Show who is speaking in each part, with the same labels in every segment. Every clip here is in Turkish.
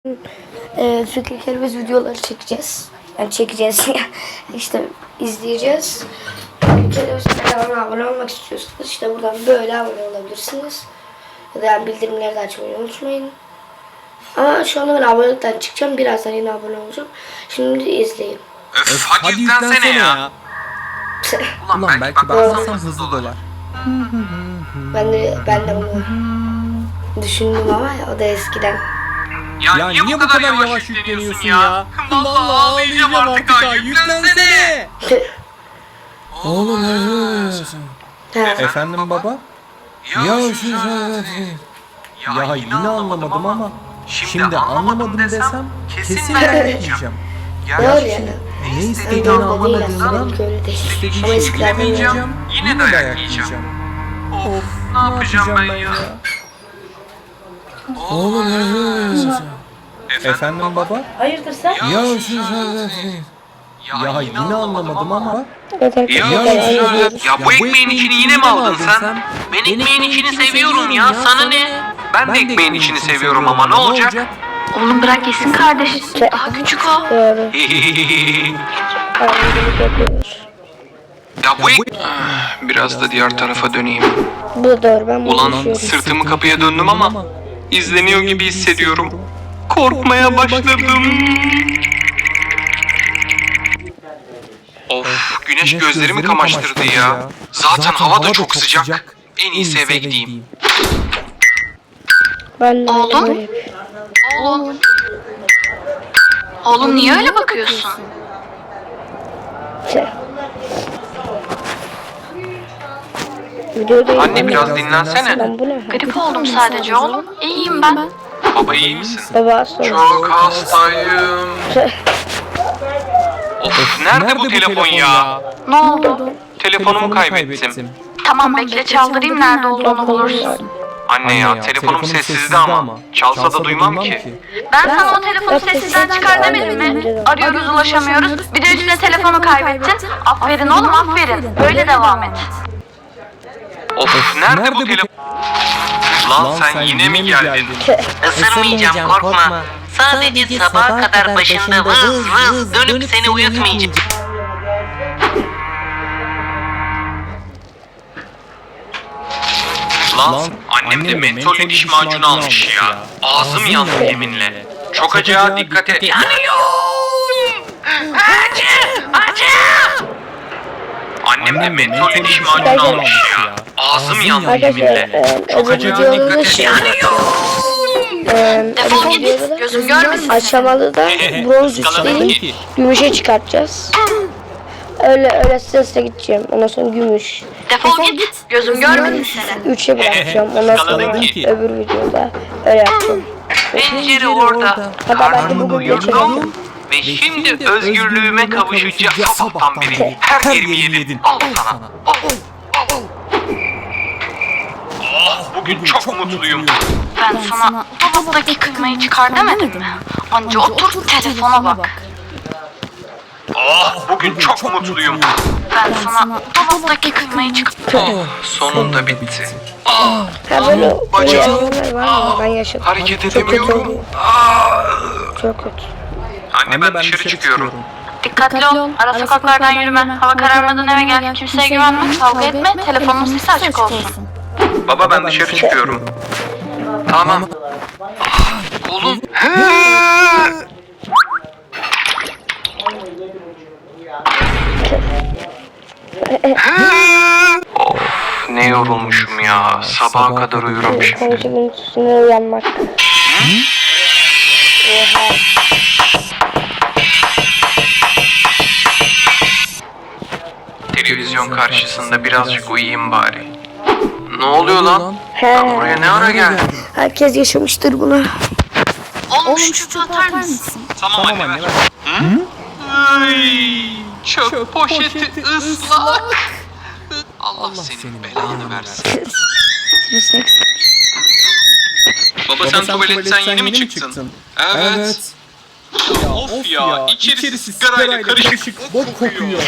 Speaker 1: Fikri Kerbez videoları çekeceğiz. Yani çekeceğiz işte izleyeceğiz. Fikri Kerbez kanalına abone olmak istiyorsanız işte buradan böyle abone olabilirsiniz. Ya da yani bildirimleri de açmayı unutmayın. Ama şu anda ben abonelikten çıkacağım. Birazdan yine abone olacağım. Şimdi izleyin.
Speaker 2: Öf, hadi yüklensene ya. Ulan belki baksam hızlı dolar.
Speaker 1: Ben de bunu düşündüm ama o da eskiden.
Speaker 2: Ya niye bu kadar yavaş yükleniyorsun ya? Vallahi ağlayacağım artık ha, yüklensene.
Speaker 3: Oğlum
Speaker 1: Ha.
Speaker 3: efendim baba? Ya yine anlamadım ama şimdi anlamadım desem kesin dayak yiyeceğim.
Speaker 1: Doğru yani.
Speaker 3: Ne
Speaker 1: Ben
Speaker 3: istediğini
Speaker 1: de öyle
Speaker 3: anlamadığımdan
Speaker 1: değil. Öyle değil.
Speaker 3: istediği
Speaker 1: Ama
Speaker 3: şeyi
Speaker 1: eskilerden
Speaker 3: bilemeyeceğim.
Speaker 1: öyle.
Speaker 2: Yine dayak yiyeceğim. Of, ne yapacağım ben ya?
Speaker 3: Oğlum efendim baba?
Speaker 1: Hayırdır sen?
Speaker 3: Ya yine anlamadım ama
Speaker 1: Evet arkadaşlar.
Speaker 2: Ya bu ekmeğin içini yine mi aldın sen? Ben ekmeğin içini seviyorum ya, sana ne? Ben de ekmeğin içini seviyorum ama ne olacak?
Speaker 4: Oğlum bırak yesin kardeşim. Daha küçük o.
Speaker 1: Doğru.
Speaker 2: Ya bu biraz da diğer tarafa döneyim.
Speaker 1: Bu da doğru. Ben bunu
Speaker 2: Ulan
Speaker 1: düşünüyorum.
Speaker 2: sırtımı kapıya döndüm ama izleniyor gibi hissediyorum. Korkmaya başladım. Of, güneş gözlerimi kamaştırdı ya. Zaten hava da çok sıcak. En iyisi eve gideyim.
Speaker 1: Ben de
Speaker 4: Oğlum?
Speaker 1: böyle yapıyorum.
Speaker 4: Oğlum. Oğlum niye öyle bakıyorsun?
Speaker 1: Videodayım.
Speaker 2: Anne biraz dinlensene.
Speaker 1: Ben bu ne?
Speaker 4: Grip oldum sadece oğlum. İyiyim ben.
Speaker 2: Baba iyi misin?
Speaker 1: Baba sonra.
Speaker 2: Çok hastayım. Of, nerede bu telefon ya?
Speaker 4: Ne oldu?
Speaker 2: Telefonumu kaybettim.
Speaker 4: Tamam bekle çaldırayım nerede olduğunu bulursun.
Speaker 2: Anne ya, telefonum sessizde ama. Çalsa da duymam ki.
Speaker 4: Ben sana o telefonu sessizden çıkar demedim mi? Arıyoruz ulaşamıyoruz. Bir de üstüne telefonu kaybettin. Aferin oğlum aferin. Böyle devam et.
Speaker 2: Of, nerede bu telefon? Lan sen yine mi geldin?
Speaker 5: Isırmayacağım korkma. Sadece sabaha kadar başında vız vız dönüp seni uyutmayacağım.
Speaker 2: Lan annem de mentol diş macunu almış ya. Ağzım yandı yeminle. Çok acıya dikkat et. Yanıyorum. Acı! Acı! Annem de mentol diş macunu almış ya. Ağzım yandı yeminle. Çok acıya dikkat et. Yanıyorum.
Speaker 4: Defol git. Gözüm görmesin.
Speaker 1: Aşamalı da bronz üstü gümüşe çıkartacağız. Öyle sesle gideceğim. Ondan sonra gümüş.
Speaker 4: Defol git. Gözüm görmesin seni.
Speaker 1: 3'e bırakacağım. Ondan sonra
Speaker 2: Skaladın ki.
Speaker 1: öbür videoda öyle yapacağım.
Speaker 2: Pencere orada.
Speaker 1: Hatta ben de bugün geçelim.
Speaker 2: Uyudum. Ve şimdi özgürlüğüme kavuşacağım. Sabahtan beri her yerimi yedin. Al sana. Al. Oh, bugün çok mutluyum.
Speaker 4: Ben sana dolaptaki kıymayı çıkar demedim mi? Anca otur telefona bak.
Speaker 2: Oh, bugün çok mutluyum.
Speaker 4: Ben sana dolaptaki kıymayı çıkar.
Speaker 2: Oh, sonunda bitti.
Speaker 1: Ha böyle
Speaker 2: Bacağım.
Speaker 1: yaşayanlar var ama ben yaşadım.
Speaker 2: Hareket
Speaker 1: Çok kötü
Speaker 2: edemiyorum.
Speaker 1: oluyor. Çok kötü.
Speaker 2: Anne ben dışarı çıkıyorum.
Speaker 4: Dikkatli ol. Ara sokaklardan yürüme. Hava kararmadan eve gel. Kimseye güvenme. Kavga etme. Telefonun sesi açık olsun.
Speaker 2: Baba ben dışarı çıkıyorum. Tamam. Oğlum. Of, ne yorulmuşum ya. Sabaha kadar uyurum şimdi.
Speaker 1: Konuşumun üstüne uyanmak. Oha.
Speaker 2: Televizyon karşısında birazcık uyuyayım bari. Ne oluyor lan?
Speaker 1: He.
Speaker 2: Ben buraya ne ara geldim?
Speaker 1: Herkes yaşamıştır bunu.
Speaker 4: Oğlum şu çöpü atar mısın?
Speaker 2: Tamam anne ver. Ay, çöp poşeti ıslak. Allah senin belanı versin. Baba sen tuvaletten yeni mi çıktın? Evet. Of ya, içerisi sigarayla karışık bok kokuyor.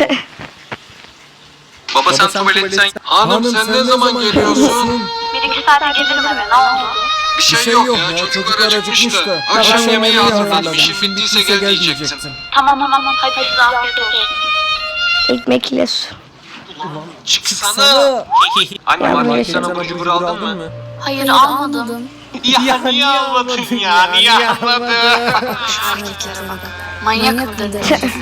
Speaker 2: Baba sen tuvaletten... Hanım sen ne zaman geliyorsun?
Speaker 4: Bir iki saate gelirim eve ne oldu?
Speaker 6: Bir şey yok ya, çocuklar acıkmış da. Akşam yemeği hazırladım. İşin bittiyse gel diyecektim.
Speaker 4: Tamam hadi size afiyet olsun.
Speaker 1: Ekmek ile su.
Speaker 6: Çıksana.
Speaker 2: Anne
Speaker 1: Ya,
Speaker 2: market
Speaker 1: bu
Speaker 2: sana abur cubur aldın mı?
Speaker 4: Hayır almadım.
Speaker 6: Ya niye almadın ya? Niye almadın?
Speaker 4: Manyak mı dedi?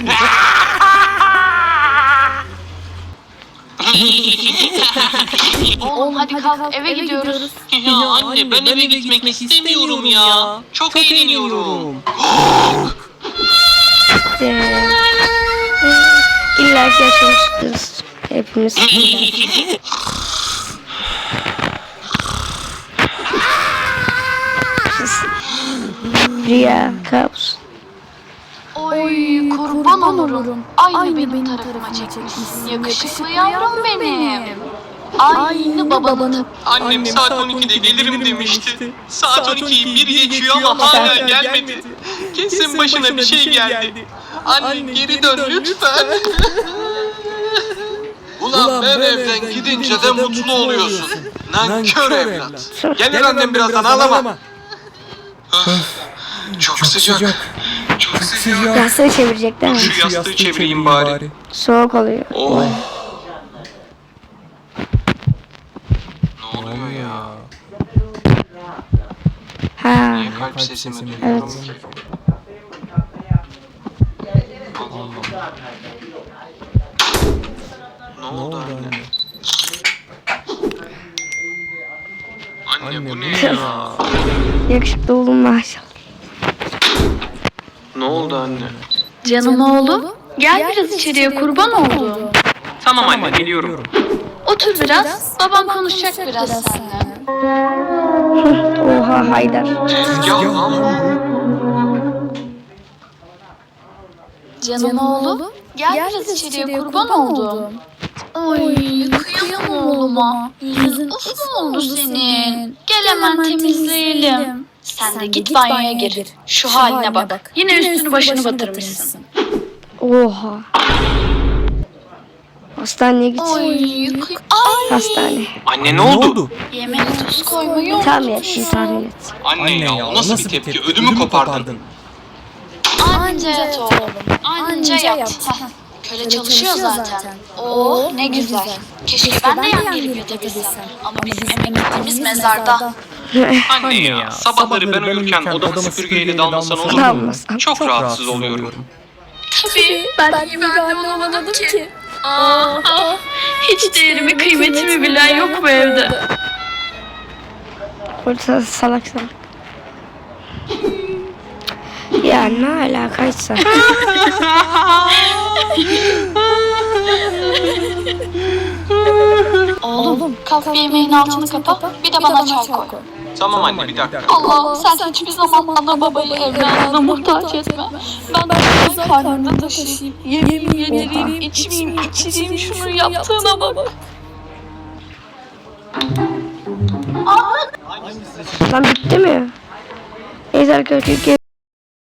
Speaker 4: Oğlum hadi kalk eve gidiyoruz.
Speaker 5: Ya anne ben eve gitmek istemiyorum ya. Çok eğleniyorum.
Speaker 1: İlla ki yaşamıştır hepimiz. Rüya, kabus.
Speaker 4: Oy kurban olurum. Aynı benim tarafıma çekmişsin. Yakışıklı yavrum benim. Aynı babanın.
Speaker 5: Annem saat 12'de gelirim demişti. Saat 12'yi bir geçiyor ama hala gelmedi. Kesin başına bir şey geldi. Anne geri dön lütfen.
Speaker 6: Ulan ben evden gidince de mutlu oluyorsun. Nankör evlat.
Speaker 3: Gelir annem birazdan ağlama.
Speaker 6: Çok sıcak. Çok sıcak.
Speaker 1: Yastığı çevirecek değil mi?
Speaker 2: Şu yastığı çevireyim bari.
Speaker 1: Soğuk oluyor.
Speaker 2: Oh.
Speaker 6: Ne oluyor ya?
Speaker 1: Ha,
Speaker 6: Niye kalp sesimi duyuyorum?
Speaker 1: evet.
Speaker 6: Ne oldu anne? Anne bu ne ya?
Speaker 1: Yakışıklı oğlum maşallah.
Speaker 6: Ne oldu anne?
Speaker 4: Canım oğlum. Gel biraz içeriye kurban oldum.
Speaker 2: Tamam anne geliyorum.
Speaker 4: Otur biraz. Baban konuşacak biraz seninle.
Speaker 1: Oha Haydar.
Speaker 6: Tezgah lan bu.
Speaker 4: Canım oğlum. Gel biraz içeriye kurban oldum. Oy kıyamam oğluma. Yüzün uf oldu senin. Gel hemen temizleyelim. Sen de git banyoya gir. Şu haline bak. Yine üstünü başını batırmışsın.
Speaker 1: Oha. Hastaneye git.
Speaker 4: Ay.
Speaker 1: Hastane.
Speaker 2: Anne ne oldu?
Speaker 4: Yemeğe tuz koymayı
Speaker 1: Tahmin et, şimdi tahmin et.
Speaker 6: Anne ya o nasıl bir tepki? Ödümü kopardın.
Speaker 4: Anca yat oğlum. Anca yat. Köle çalışıyor zaten. Oh ne güzel. Keşke ben de yan gelip yatabilsem. Ama bizim emeklimiz mezarda.
Speaker 2: Anne ya sabahları ben uyurken odama süpürgeyle dalmasan olur mu?
Speaker 1: Dalmasam.
Speaker 2: Çok rahatsız oluyorum.
Speaker 4: Tabii ben iyi bir anne olamadım ki. Hiç değerimi kıymetimi bilen yok bu evde.
Speaker 1: Orada salak salak. Ya ne alakaysa.
Speaker 4: Oğlum kalk bir yemeğin altını kapa. Bir de bana çay koy.
Speaker 2: Tamam anne bir dakika.
Speaker 4: Allah'ım sen hiçbir zaman ana babayı evladına muhtaç etme. Ben de karnında taşıyayım. Yedireyim, içireyim şunu yaptığına bak.
Speaker 1: Lan bitti mi? Neyse arkadaşlar.